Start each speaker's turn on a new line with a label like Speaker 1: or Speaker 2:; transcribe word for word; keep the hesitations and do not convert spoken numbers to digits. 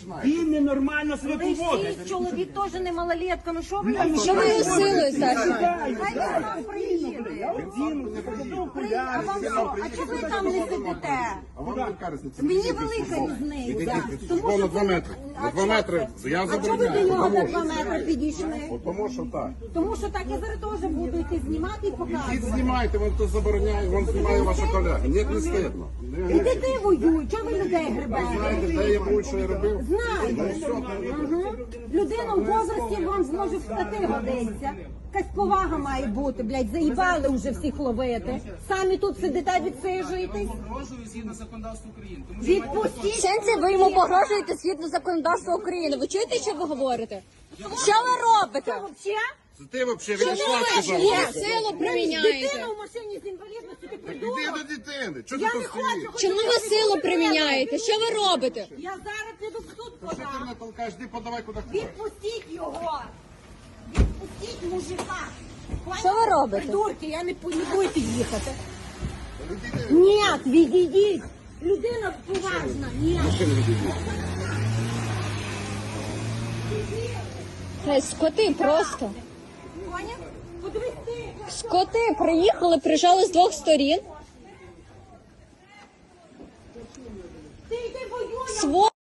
Speaker 1: починаєте?
Speaker 2: Він ненормально себе поводить.
Speaker 3: Цей чоловік теж не малолетка, ну що ви нам?
Speaker 4: Що ви його силою, Саша?
Speaker 3: Хай він сам приїде. А вам що? А чого ви там не сидите?
Speaker 1: А вам яка різниця?
Speaker 3: Мені велика різниця. Тому
Speaker 1: Бо на
Speaker 3: що
Speaker 1: два
Speaker 3: ви-
Speaker 1: метри. На
Speaker 3: А
Speaker 1: два
Speaker 3: чого-
Speaker 1: метри. Я
Speaker 3: А чого ви до
Speaker 1: забороняю.
Speaker 3: нього
Speaker 1: Тому
Speaker 3: на
Speaker 1: що-
Speaker 3: два метри підійшли?
Speaker 1: От Тому що так.
Speaker 3: Тому що так я зараз теж буду йти знімати і
Speaker 1: Ідіть
Speaker 3: показувати.
Speaker 1: знімайте, вам хто забороняє, вам знімає ваша колега. Ні, не стидно.
Speaker 3: І ти воюй, чого ви людей гребете?
Speaker 1: Знаєте, де я був, що я робив?
Speaker 3: Знаю. Угу. Людина в возрасті вам зможе встати годиться. Якась повага має бути, блядь, заїбали вже всіх ловити. Самі тут сидите, відсиджуєтесь.
Speaker 5: Погрожую згідно законодавства України. Тому що
Speaker 3: Відпустіть.
Speaker 4: В сенсі ви йому погрожуєте згідно законодавства України. Ви чуєте, що ви говорите? Що ви робите?
Speaker 3: Вообще?
Speaker 1: Це ти взагалі
Speaker 4: Чому
Speaker 1: відійшла,
Speaker 4: ви
Speaker 1: сказав.
Speaker 4: чиє силу
Speaker 3: Дитина
Speaker 4: приміняєте?
Speaker 3: в машині з інвалідністю, ти
Speaker 1: Іди
Speaker 3: придурок.
Speaker 1: до дитини. Чого
Speaker 3: Я
Speaker 1: ти
Speaker 3: не
Speaker 1: тут
Speaker 3: хочу.
Speaker 1: стоїш?
Speaker 3: хочу
Speaker 4: Чому ви
Speaker 3: щоб
Speaker 4: силу
Speaker 3: ви
Speaker 4: приміняєте? Що ви робите?
Speaker 3: Я зараз піду в суд
Speaker 1: Що ти
Speaker 3: подам.
Speaker 1: мене толкаєш? Іди подавай куди хочеш.
Speaker 3: Відпустіть його. Відпустіть мужика.
Speaker 4: Що ви робите?
Speaker 3: Придурки, я не, не будете їхати. Ні, відійдіть. Людина поважна. Ні.
Speaker 4: Це скоти просто.
Speaker 3: Поняв? Подивись ти.
Speaker 4: Скоти приїхали, прижали з двох сторін.
Speaker 3: Ти йди воюй.
Speaker 4: Сво